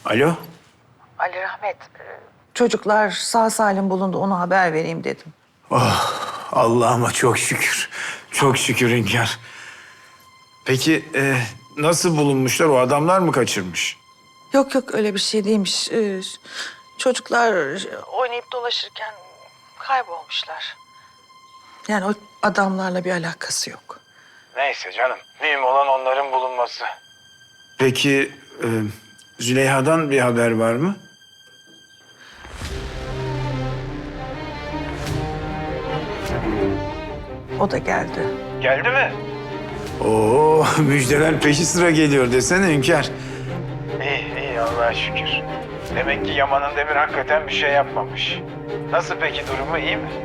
Alo? Ali Rahmet, çocuklar sağ salim bulundu, ona haber vereyim dedim. Allah'ıma çok şükür. Çok şükür Hünkâr. Peki nasıl bulunmuşlar? O adamlar mı kaçırmış? Yok yok, öyle bir şey değilmiş. Çocuklar oynayıp dolaşırken kaybolmuşlar. Yani o adamlarla bir alakası yok. Neyse canım. Mühim olan onların bulunması. Peki Züleyha'dan bir haber var mı? O da geldi. Geldi mi? Oo, müjdeler peşi sıra geliyor desene Hünkâr. İyi, iyi Allah'a şükür. Demek ki Yaman'ın Demir hakikaten bir şey yapmamış. Nasıl peki, durumu iyi mi?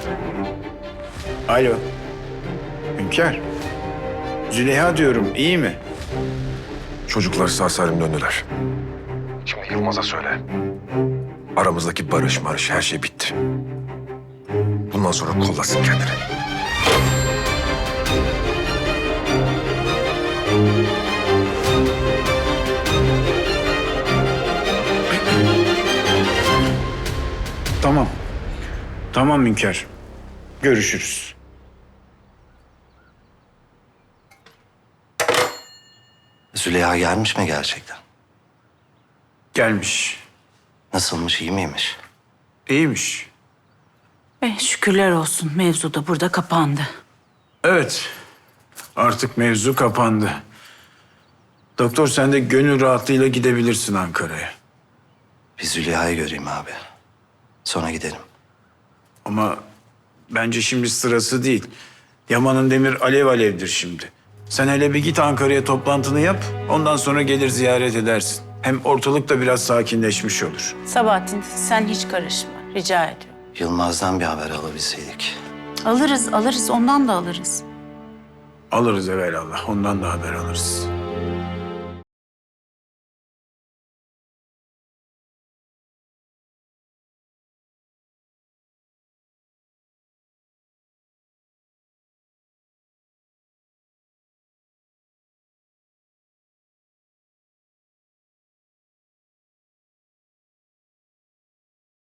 Alo. Hünkâr. Züleyha diyorum, iyi mi? Çocuklar sağ salim döndüler. Şimdi Yılmaz'a söyle. Aramızdaki barış her şey bitti. Bundan sonra kollasın kendini. Tamam. Tamam Hünkâr. Görüşürüz. Züleyha gelmiş mi gerçekten? Gelmiş. Nasılmış, iyi miymiş? İyiymiş. Şükürler olsun, mevzu da burada kapandı. Evet. Artık mevzu kapandı. Doktor, sen de gönül rahatlığıyla gidebilirsin Ankara'ya. Bir Züleyha'yı göreyim abi. Sonra gidelim. Ama bence şimdi sırası değil. Yaman'ın Demir alev alevdir şimdi. Sen hele bir git Ankara'ya, toplantını yap. Ondan sonra gelir ziyaret edersin. Hem ortalık da biraz sakinleşmiş olur. Sabahattin, sen hiç karışma, rica ediyorum. Yılmaz'dan bir haber alabilseydik. Alırız, ondan da alırız. Alırız evelallah. Ondan da haber alırız.